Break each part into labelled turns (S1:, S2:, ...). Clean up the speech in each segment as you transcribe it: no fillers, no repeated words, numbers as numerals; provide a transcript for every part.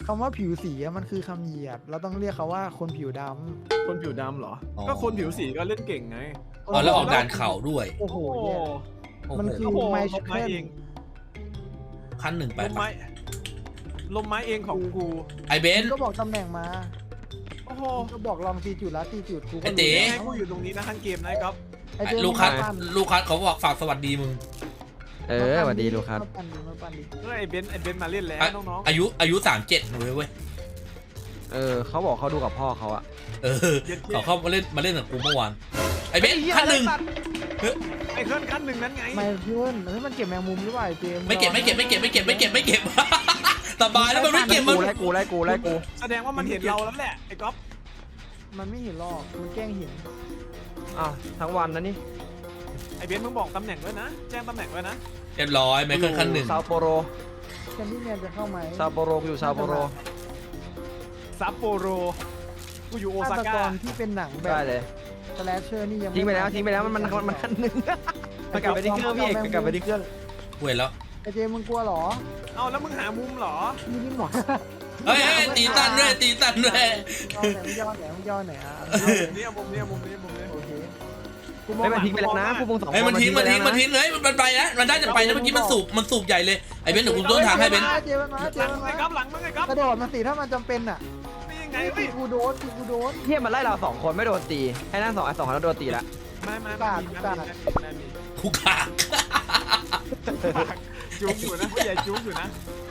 S1: คำว่าผิวสีอะมันคือคำเหยียดเราต้องเรียกเขาว่าคนผิวด
S2: คนผิวดำเหรอ ก็คนผิวสีก็เล่นเก่งไง
S1: ำ
S3: อ๋อแล้วออกด่านเข่าด้วย
S1: โอ้โห
S2: โอ้โห
S1: แย่
S3: โอ้โห
S1: มันคือ
S2: โอ้โห
S1: ไม
S2: ล
S1: ชิ
S2: ม
S1: เคิ
S2: ไม้
S1: ล
S2: เอง
S3: ขั้นหนึ่งไป
S2: ลมไม้ลมไม้เองของกู
S3: ไอเบน
S1: ก็บอกตำแหน่งมา
S2: โอ้โห
S1: ก็บอกลองตีจุดแล้วตีจุดกูก็
S3: ไอ้เต๋
S2: ให้กูอยู่ตรงนี้นะทั้งเกมนะครับ
S1: ไอ้เจ๊
S3: ลูกคัส
S1: มาปั้น
S3: ลูกคัสเขาบอกฝากสวัสดีมึง
S4: สวัสดีลูกครับ
S1: มาปั้นดิมาปั้นดิ
S2: ก็ไอ้เบนซ์มาเล่นแล้วน้อง
S3: อายุ37เลยเว้ย
S4: เขาบอกเขาดูกับพ่อเขาอะ
S3: เขาเข้ามาเล่นกับกูเมื่อวานไอเบนขั้นหนึ่ง
S2: ไอ้เคลื่อนขั้นหนึ่งนั้นไง
S1: ไม่เพื่อนเฮ้ยมันเก็บแมงมุมหรือเปล่าไอ้เจมส์
S3: ไม่เก็บสบายแล้วมันไม่เก็บมัน
S4: ไล่กู
S2: แสดงว่ามันเห็นเราแล้วแหละไอ้ก๊อฟ
S1: มันไม่เห็นหรอกมันแกล้งเห็น
S4: อ้าวทั้งวันนะนี่
S2: ไอ้เบนซ์มึงบอกตำแหน่งด้วยนะ แจ้งตำแหน่งด้วยนะ
S3: เรียบร้อยไมเคิลขั้นหนึ่ง
S4: ซาโปโร
S1: แคนดี้แมนจะเข้าไหม
S4: ซาโปโรอยู่ซาโปโร
S2: ซัปโปโรกูอยู่โอซา
S1: ฆาตก
S2: ก้าร
S1: ที่เป็นหนังแบ
S4: ได้
S1: บ
S4: เลย
S1: สแลชเชอร์นี่ยัง
S4: ทิ้งไปแล้วมันขั้นหนึ่งมันกลับไปที่เครื่องพี่เอกมันกลับไปที่เครื่อง
S3: กูเห็นแล้ว
S1: ไอ้เจมส์มึงกลัวเหรอ
S2: เอาแล้วมึงหามุมเหรอ
S1: นี่นี่หมอ
S3: เฮ้ยตีตันด้วย
S1: ย่อไหนมึงย่อไหนอ่ะ
S2: เนี่ยมุมนี้
S1: โอเค
S2: กูมอง
S4: ไม่มันทิ้งไปแล้วนะพวกมึงสองคน
S3: เฮ้ยมันทิ้งเฮ้ยมันไปนะมันได้จะไปนะเมื่อกี้มันสูบใหญ่เลยไอเบนเดี๋ยวกูต้นทางให้เบน
S1: เจมส์มาเจ
S2: หลั
S1: ม
S2: ง
S1: ส์
S2: มึง
S1: มา
S2: ไอ้ก๊อฟหลังมึงไอ้ก๊อฟ
S1: กระโดดมาสิถ้ามันจำเป็นอ่ะ
S2: นี่ยังไง
S1: ตี
S2: พี่
S1: กูโดนตีกูโดน
S4: เฮียมันไล่เราสองคนไม่โดนตีให้นั่นสองคนแล้วโดนตีละ
S2: มามี
S3: กูขาก
S2: จุ๊บอยู่นะผู้ใหญ่จุ๊บอยู่นะ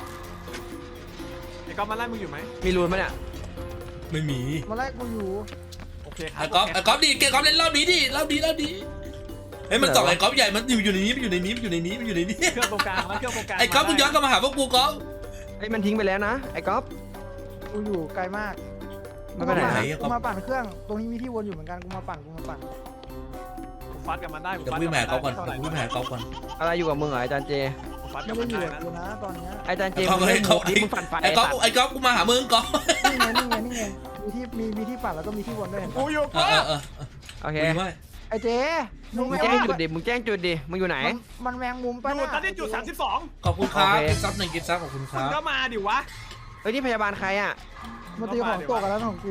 S2: ไอ้ก๊อฟมาไล่มึงอยู่ไหม
S4: มีรูนมั้ยเนี่ย
S3: ไม่มี
S1: มาไล่กูอยู่
S2: โอเคครั
S3: ไอ้ก๊อฟดีเกก๊อฟเล่นรอบนี้ดิรอบดีเฮ้ยมันส่องไอ้ก๊อฟใหญ่มันอยู่ในนี้มันอยู่ในนี้
S2: เครื่องตรงกลางแล้วเครื่องตรงกลาง
S3: ไอ้ก๊อฟมึงย้อนกลับมาหาพวกกูก๊อฟ
S4: ไอ้มันทิ้งไปแล้วนะไอ้ก๊อฟ
S1: กูอยู่ไกลมาก
S4: มันไปไหน
S1: กูมาปั่นเครื่องตรงนี้มีที่วนอยู่เหมือนกันกูมาปั่น
S2: ฟัดกันมาได้
S3: เดี๋ยววิ่งแหม่ก๊อฟก่อนวิ่งแหม่ก๊อฟก่อน
S4: อะไรอยู่กับมึงเหรออาจารย์เจ
S2: ฟัด
S1: ไม่
S2: กัน
S1: ได้
S2: มา
S1: อยู่
S2: ได้
S1: กับ
S2: นะ
S1: กูนะตอนเนี้ย
S4: อาจารย์เจมึงเล่นมุกดิมึงฟันไฟ
S3: ไอ้ก๊อฟกูมาหามึงก๊อฟ
S1: นี่ไงมีที่ปั่นแล้วก็มีที่วนด้วยเห็น
S2: กู
S1: ปะ
S2: อยู่
S3: เอ
S2: กู
S3: อ
S4: โอเค
S3: ไม่
S1: ไอ้เจ๊
S4: มึงแจ้งจุดดิมึงแจ้งจุดดิมึงอยู่ไหน
S1: มันแมงมุม
S2: อ
S1: ป่ะ
S2: ยู่ตอนนี้จุด32
S3: ขอบคุณครับ
S4: โอเค
S3: กิฟต์ซับหนึ่งกิฟต์ซับขอบคุณค
S2: มึ
S3: รั
S2: ง
S3: บ
S2: ก็มาดิวะ
S4: เฮ้ยนี่พยาบาลใครอ่ะ
S1: มันตีของตกกันแล้วของกู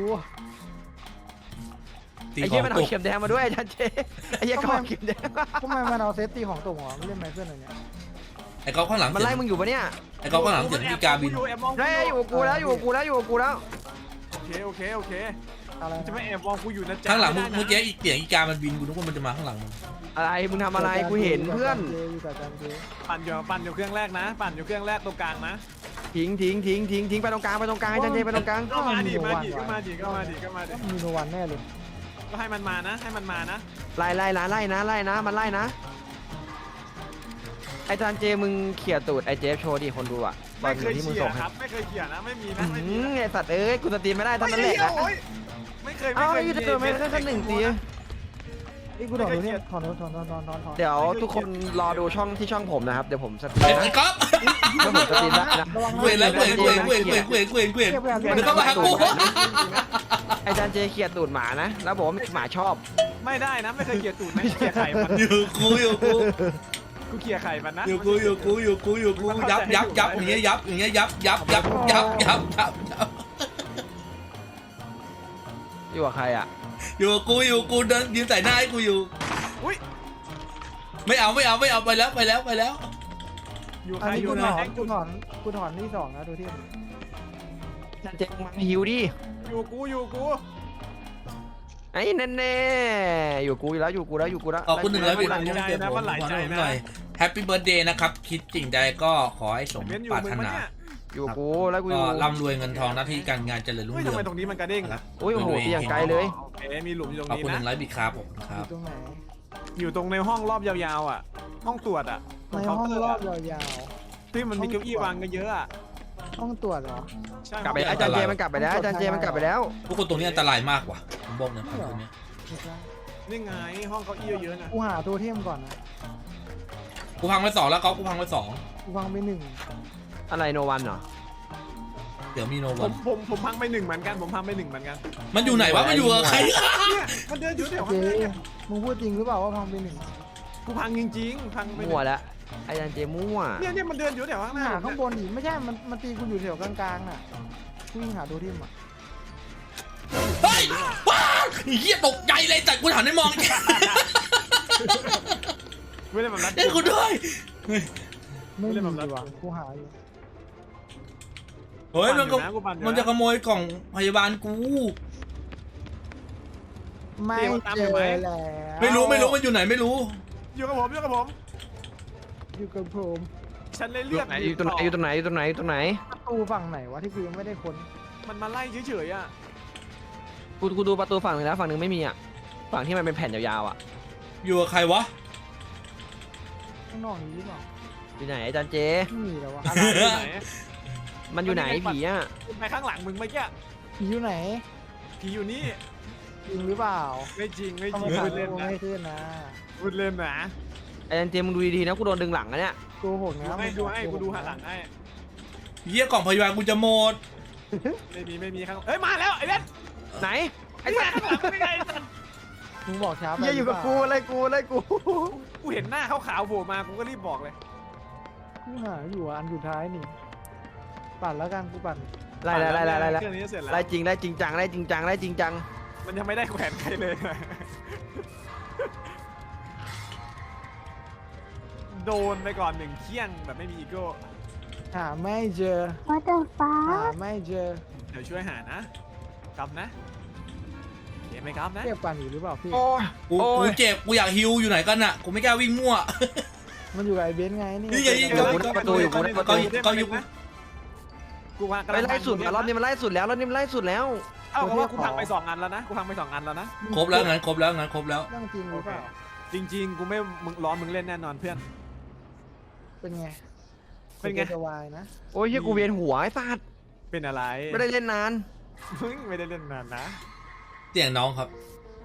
S3: ตี
S4: ไอ้
S3: ข
S4: เหี้
S3: อย ง
S4: มัน
S3: ต
S4: เอา
S3: ก
S4: เข็มแดงมาด้วยอาจารย์เจไอ้เหี้ยก็เอาเข็มแดง
S1: ทำไมมันเอาเซตตีของตกหรอไม่เล่นไมเคิลอะไรเนี่ย
S3: ไอ้ก๊อฟข้างหลัง
S4: มันไล่มึงอยู่ปะเนี่ย
S3: ไอ้ก๊อฟข้างหลังเสียงพี่กาบิน
S4: เฮ้ยอยู่กับกูแล้วอยู่กับกูแล้วอยู่กับกูแล้ว
S2: โอเค
S1: อะไร
S2: จะไม่แอบมองกูอยู่นะจ๊ะ
S3: ข้างหลังเมื่อกี้อีกเสียงอีกามันบินกูนึกว่ามันจะมาข้างหลังมึง
S4: อะไรมึงทำอะไรกูเห็นเพื่อน
S1: อยู่กับจันเจ
S2: ปั่นอยู่เครื่องแรกนะ ปั่นอยู่เครื่องแรกตรงกลางนะ
S4: ทิ้งไปตรงกลางอาจารย์เจไปตรงกลาง
S2: ก็มาดิก็มาดิ
S1: มีโนวันแน่เลย
S2: ก็ให้มันมานะ
S4: ไล่นะมันไล่นะอาจารย์เจมึงเขี่ยตูดไอเจฟโชว์ดิคนดูอ่ะตอ
S2: ไม่
S4: น
S2: เคย
S4: ที่มึง
S2: เขี่ย
S4: ส่งให้
S2: ครับไม่เคยเขี่ยนะไม่มีนะไม่มี
S4: ไอสัตว์เอ้ยกูสตรีมไม่ได้ตอนนั้นแหละนะ
S2: ไม่เคย
S4: เอ้าไอ้เธอไม่ได้แค่หนึ่งตี
S1: ไอ้กูถอนเนี่ยถอน
S4: เดี๋ยวทุกคนรอดูช่องผมนะครับเดี๋ยวผมสตรีมนะ
S3: ไอ้ก๊อฟ
S4: แล้วผมสตรีมได้นะ
S3: เว้นแล้วเว้นเดี๋ยวก็มาหากู
S4: ไอจารย์เจเขี่ยตูดหมานะแล้วบอกว่าหมาชอบ
S2: ไม่ได้นะไม่เคยเขี่ยตูดไม่เขี่ยไข่มัน
S3: อยู่กู
S2: กูเขี่ยไข่มันนะ
S3: อยู่กูยับอย่างเงี้ยยับ
S4: อยู่กับใครอ่ะ
S3: อยู่กูเดินยืนใส่หน้าให้กูอยู่
S2: อุ้ย
S3: ไม่เอาไปแล้ว
S2: อยู่
S1: อัน
S2: ใคร
S1: นี้
S2: อยู่
S1: กู
S2: ไหน
S1: ถอนที่2นะดูที่
S4: อาจารย์เจมาหิวดิ
S2: อยู่กู
S4: ไอ้แน่ๆอยู่กูแล้ว
S3: ขอบคุณหนึ่งแล้วพี่แฮปปี้เบิร์ดเดย์นะครับคิดจริงใดก็ขอให้สม
S2: เบนอยู่
S3: ปราร
S2: มึ
S3: ถ
S2: งมั้
S3: นา
S2: เนี่ย
S4: อยู่กูแล้วกู
S3: ก็ร่ำรวยเงินทองหน้าที่การงานเจริญรุ่ง
S2: เฮ้ย
S3: เรื
S2: ทำ
S3: อง
S2: ไมตรงนี้มันกระเด้งนะ
S4: โอ้ยโหตีอย่างไกลเลย
S2: โอเคมีหลุมอยู่ตรง
S3: ขอบ
S2: นี้
S3: คุณหนึ่
S2: นะ
S3: งไลฟ์บิดครับผมค
S1: อ
S3: รับ
S1: ยู่ตรงไหน
S2: อยู่ตรงในห้องรอบยาวๆอ่ะห้องตรวจอ่ะ
S1: ในห้องรอบยาว
S2: ที่มันมีเก้าอี้วางกันเยอะอ่ะ
S1: ๆห้องตรวจเหรอก
S4: ลับไปอาจารย์เจมันกลับไปแล้วอาจารย์เจมันกลับไปแล้ว
S3: ทุกคนตรงนี้อันตรายมากว่ะผมบอกนะตรงนี้
S2: นี่ไงห้องเก้าอี้เยอะๆนะ
S1: กูหาตัวเทมก่อนนะ
S3: กูพังไป2แล้วก๊อฟกูพังไป2
S1: กูวางไป1
S4: อะไรโนวันเหรอ
S3: เดี๋ยวมีโน
S2: ผ
S3: วัน
S2: มพังไป1เหมือนกันผมพังไป1เหมือนกัน
S3: มันอยู่ไหนวะมันอยู่กับใคร
S2: เนี่ยมันเดินอยู่แถว
S1: เจ
S2: ข้างหน้า
S1: มึงพูดจริงหรือเปล่าว่าพังไป1
S2: กูพังจริงๆพังไป
S4: มั่วแล้วอาจารย์เจมั่ว
S2: เนี่ยมันเดินอยู่แถวข้างหน้า
S1: หาข้างบนอีกไม่ใช่มันตีกูอยู่แถวกลางๆน่ะวิ่งหาตัวทิมอ่ะ
S3: เฮ้ยว้าวเฮียตกใจเลยแต่กูหันไม่มอง
S2: ไม่ได้แบบนั้น
S3: เอ้ยกูด้วย
S1: ไม่
S2: เล่
S1: มี
S2: นแบบนั้น
S1: ว่ะกูหาอยู่
S3: เฮ้ยมันก็
S2: กูปั่นอยู่นะ
S3: มันจะขโมยกล่องพยาบาลกู
S1: ไม่เจอแล้ว
S3: ไม่รู้มันอยู่ไหนไม่รู้
S2: อยู่กับผมอยู่กับผม
S1: อยู่กับผม
S2: ฉันเลย
S4: อ
S2: เลื
S4: ยู่
S2: อก
S4: ไหนอยู่ตรงไหนอยู่ตรงไหนอยู่ตรงไหนอยู่ตรงไหน
S1: ประตูฝั่งไหนวะที่กูยังไม่ได้ค้น
S2: มันมาไล่เฉยๆอ่ะ
S4: กูดูประตูฝั่งหนึงแล้วฝั่งหนึงไม่มีอ่ะฝั่งที่มันเป็นแผ่นยาวๆอ่ะ
S3: อยู่กับใครวะ
S1: ข้างนอกนี้หรือเปล่า
S4: อยู่ไหนอาจารย์เจ
S1: ไม่มีแล้ววะ
S2: อะไรอยู่ไหน
S4: มันอยู่ไหนผีอ่ะ
S2: ไปข้างหลังมึงเมื่อกี้
S1: ผีอยู่ไหน
S2: ผีอยู่นี่
S1: จริงหรือเปล่า
S2: ไม่จริงไม่
S1: ทำ
S2: จ
S1: ไม
S2: ริง
S1: ถ่าย
S2: พูดเล่น
S1: รูป
S2: นะ
S1: ไม่ขึ้นนะ
S2: พูดเล่นนะ
S4: อาจารย์เจมึงดูดีๆนะกูโดนดึงหลังอะเนี่ย
S1: โกหก
S2: ดู
S1: นะ
S2: ให้ดูให้กูดูหันหลังให้
S3: เฮียกล่องพยาบาลกูจะหมด
S2: ไม่มีข้างเฮ้ยมาแล้วไอ้เล่น
S4: ไหน
S2: ไอ้สัตว์ข้างหลังไม่ไงไอ้สัตว์
S1: มึงบอกช้าไป
S4: เฮียอยู่กับกูเลยกูเลยกู
S2: กูเห็นหน้าขาวๆโผล่มากูก็รีบบอกเลย
S1: กูหาอยู่อันสุดท้ายนี่ปั่นแล้วกันกูปั่น
S4: ไล่ไล่
S2: เครื่องนี้เสร็จแล้ว
S4: ไล่จริงได้จริงจังไล่จริงจังไล่จริงจัง
S2: มันยังไม่ได้แขวนใครเลยโดนไปก่อนหนึ่งเคี่ยงแบบไม่มีอีโก้
S1: หาไม่เจอ
S5: What the
S1: หา
S5: fuck
S1: ไม่เจอ
S2: เดี๋ยวช่วยหานะกลับนะเดี๋ยวไม่กลับนะ
S1: เรียกปั่นอยู่หรือเปล่าพี่
S4: โอ้ย
S3: กู
S4: โอ้ย
S3: เจ็บกูอยากฮิวอยู่ไหนกันอะกูไม่กล้าวิ่งมั่ว
S1: มันอยู่กับไอ้เบนซ์ไงนี่
S3: นี่ไงนี่ไง
S4: เดี๋ยวกูได้ประตูอยู่กูได้ประตู
S3: ก็อยู่
S2: กูวางกำ
S4: ไป
S2: ลัง
S4: ไล่สุดแล้วรอบนี้มันไล่สุดแล้วรอบนี้มันไล่สุดแล้ว
S2: เอ้าเพราะว่ากูพังไป2 อันแล้วนะกูพังไป2 อันแล้วนะ
S3: ครบแล้วงั้นครบแล้วงั้นครบแล้ว
S1: เรื่องจริงหรือเปล่า
S2: จริงๆ กูไม่มึงร้อนมึงเล่นแน่นอนเพื่อน
S1: เป็นไง
S2: เป็นไง
S1: จะวายนะ
S4: โอ้ยเฮียกูเวียนหัวไอ้สัตว์
S2: เป็นอะไร
S4: ไม่ได้เล่นนาน
S2: มึงไม่ได้เล่นนานนะ
S3: เสียงน้องครับ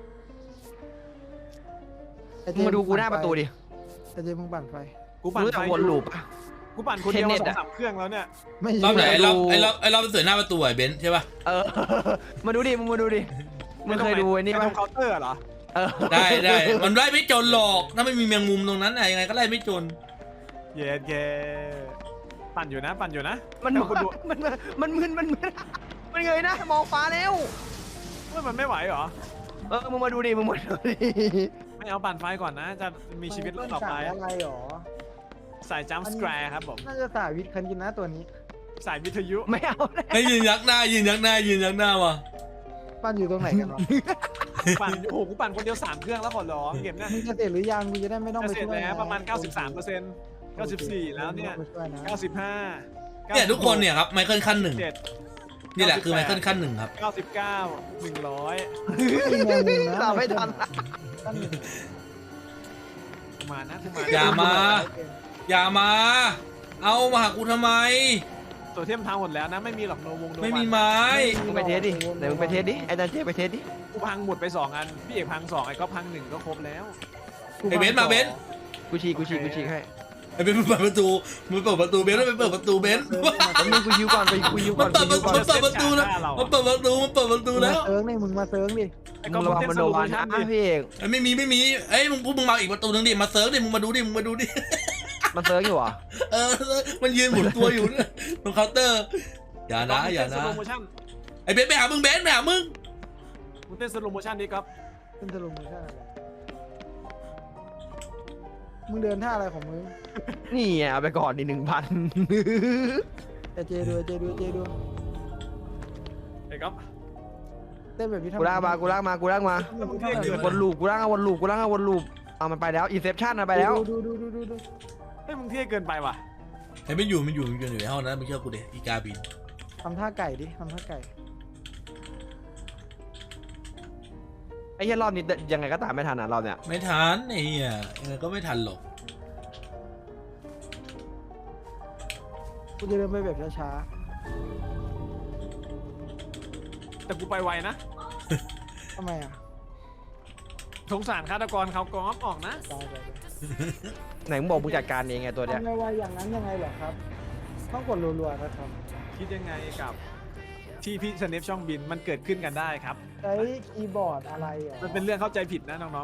S1: ไอ้
S4: มึงมาดูกูหน้าประตูดิ
S1: ไอ้เจมึงปั่นไฟ
S2: กูปั่น
S4: รู้จัก
S2: ไฟ
S4: วนลูปปะ
S2: กูปั่นคนเดียว
S4: เทนเน็
S2: มา
S4: ตอะ
S2: 2-3 เครื่องแล้วเนี่ย
S1: ไม่
S3: รอบไหน
S1: ใช่
S3: ไอ้รอบเสือหน้าประตูไอ้เบนซ์ใช่ป่ะ
S4: เออ มาดูดิมึงมาดูดิมึงเคยดูไอ้นี่
S2: ตร
S4: ปะ
S2: งเคาน์เตอร์เหรอ
S4: เออ
S3: ได้มันไล่ไม่จนหรอกถ้าไม่มีแมงมุมตรงนั้นไหนยังไงก็ไล่ไม่จน
S2: เย็ดเกปั่นอยู่นะปั่นอยู่นะ
S4: มัน
S2: แต่กูดู
S4: มันมึนมันเงยหนะมองฟ้าแล้ว
S2: เฮ้ยมันไม่ไหวเหรอ
S4: เออมึงมาดูดิมึงมาดูดิ
S2: ไม่เอาปั่นไฟก่อนนะ จะมีชีวิตรอดต่อไป
S1: มันสายอะไรหรอ
S2: สายจัมป์สแควร์ครับผม
S1: น่าจะสายวิทย์คันกินนะตัวนี้
S2: สายวิทยุ
S4: ไม่เอาเลย
S3: ให้ยืนยักหน้ายืนยักหน้าว่ะ
S1: ปั่นอยู่ตรงไหนกันวะ
S2: ปั่นโอ้โหกูปั่นคนเดียว3 เครื่องแล้วขอร้องเก็บเนี่ย
S1: มึงจะเสร็จหรือยังมึงจะได้ไม่ต้องไป
S2: เสร็จ
S1: ช่วย
S2: แล้ว
S1: ไง
S2: ประมาณ 93% 94 แล้วเนี่ย
S1: ไม่ต้องไปช่วยนะ
S2: 95
S3: เนี่ยทุกคนเนี่ยครับไมเคิลขั้นหนึ่ง
S2: 97
S3: นี่แหละคือไมเคิลขั้นหนึ่งครับ
S2: 99 100
S1: มีแมงมุมนะ
S4: ตามไม่ทัน
S1: ขั้นหนึ่ง
S2: กูมานะกูมา
S3: อย่ามา อย่ามา เอามาหากูทำไม
S2: ตัวเทียมทางหมดแล้วนะไม่มีหรอกโนวงโนวัน
S3: ไม่มีไม้
S4: มึงไปเทสดิไหนมึงไปเทสดิไอ้ดันเจไปเทสดิ
S2: กูพังหมดไป2 อันพี่เอกพัง2ไอ้ก็พัง1ก็ครบแล้ว
S3: ไอ้เบนซ์มาเบนซ์
S4: กูฉีกให้
S3: ไอ้เบนซ์มันเปิดประตูมันเปิดประตูเบนซ์แล้วไปเปิดประตูเบนซ์
S4: แล้วมึงกูยิวก่อนไปกูยิวก่
S3: มั
S4: อน น
S3: เปิดประตูแล้วมันเปิดประตูแล้ว
S1: เซิร์งนี่มึงมาเซิร์งดิ
S2: ไอ้
S4: มึ
S2: ก็
S4: งระวังมันโดนวัน
S2: ชั่
S4: นะพี่เอก
S3: ไอ้ไม่มีเอ้ยพวกมึงมาอีกประตูนึงดิมาเซิร์ฟดิมึงมาดูดิ
S4: มันเซิร์ฟอยู่เหรอ
S3: เออมันยืนหมุนตัวอยู่เนี่ยตรงเคาน์เตอร์อย่านะ
S2: สโลโมชั่น
S3: ไอ้เบนซ์ไปหามึงเบนซ์ไปหามึง
S2: มึงเต้นสโลโมชั่นดิครับ
S1: เป็นสรุปมึงท่าอะไรมึงเดินท่าอะไรของมึง
S4: นี่ไงเอาไปก่อนดิ1,000
S1: แต่เจดู
S2: ไอ้ก๊อฟ
S1: เต้นแบบนี้ทำ
S4: กูลากมาวนลูปกูลากวนลูปเอามันไปแล้วอินเซปชั่นมันไปแล้ว
S1: ดู
S2: เฮ้ยมึงเท่เกินไปว่ะ
S3: ไอ้ไม่อยู่ในห้องนั้นมึงเชื่อกูดิอีกาบิน
S1: ทำท่าไก่ดิทำท่าไก่
S4: ไอ้เหี้ยรอบนี้ยังไงก็ตามไม่ทันอ่ะรอบเนี้ย
S3: ไม่ทันไอ้เหี้ยยังไงก็ไม่ทันหรอก
S1: กูจะเดินไปแบบช้า
S2: แต่กูไปไวนะ
S1: ๆทำไมอ่ะ
S2: สงสารฆาตกรเขากอฟออกนะ
S1: ตายไป
S4: ไหนมึงบอกมึงจัดการเองไงตัวเนี้ย
S1: ทำไมวายอย่างนั้นยังไงเหรอครับต้องกดรัวๆนะครับ
S2: คิดยังไงกับที่พี่สเนปช่องบินมันเกิดขึ้นกันได้ครับ
S1: ใช้คีย์บอร์ดอะไรอ่ะ
S2: มันเป็นเรื่องเข้าใจผิดนะน้อง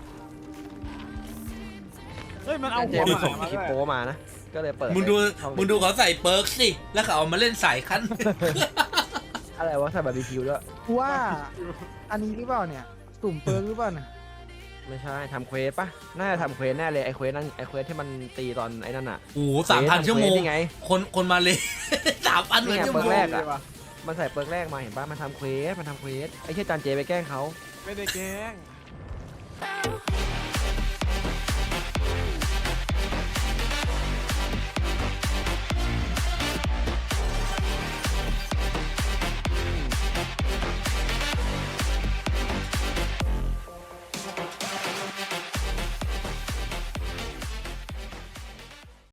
S2: ๆ เฮ้ยมันเอา
S4: เจ
S2: หัว
S4: มึงส่ง
S2: มา
S4: คลิป
S2: ด้วย
S4: โป้มานะ ก็เลยเปิด
S3: มึงดูเขาใส่เปิร์กสิแล้วเขาเอามาเล่นสายขั้น
S4: อะไรวะใส่บาร์บีคิวด้วย
S1: กูว่าอันนี้หรือเปล่าเนี่ยตุ่มเปิร์กหรือเปล่าเนี่ย
S4: ไม่ใช่ทำเควสปะน่าจะทำเควสแน่เลยไอ้เควสนั่นไอ้เควสที่มันตีตอนไอ้นั่นอ่ะ
S3: โอ้โห3,000 ชั่วโมง
S4: นี่ไง
S3: คนมาเลย 3,000
S4: นี่ไง
S3: ชั่ว
S4: เปิ
S3: โม
S4: ร์ก
S3: ง
S4: แรกอะมันใส่เปิร์กแรกมาเห็นปะมันทำเควสไอ้เชี่ยจานเจไปแกล้งเขา
S2: ไม่ได้แกล้ง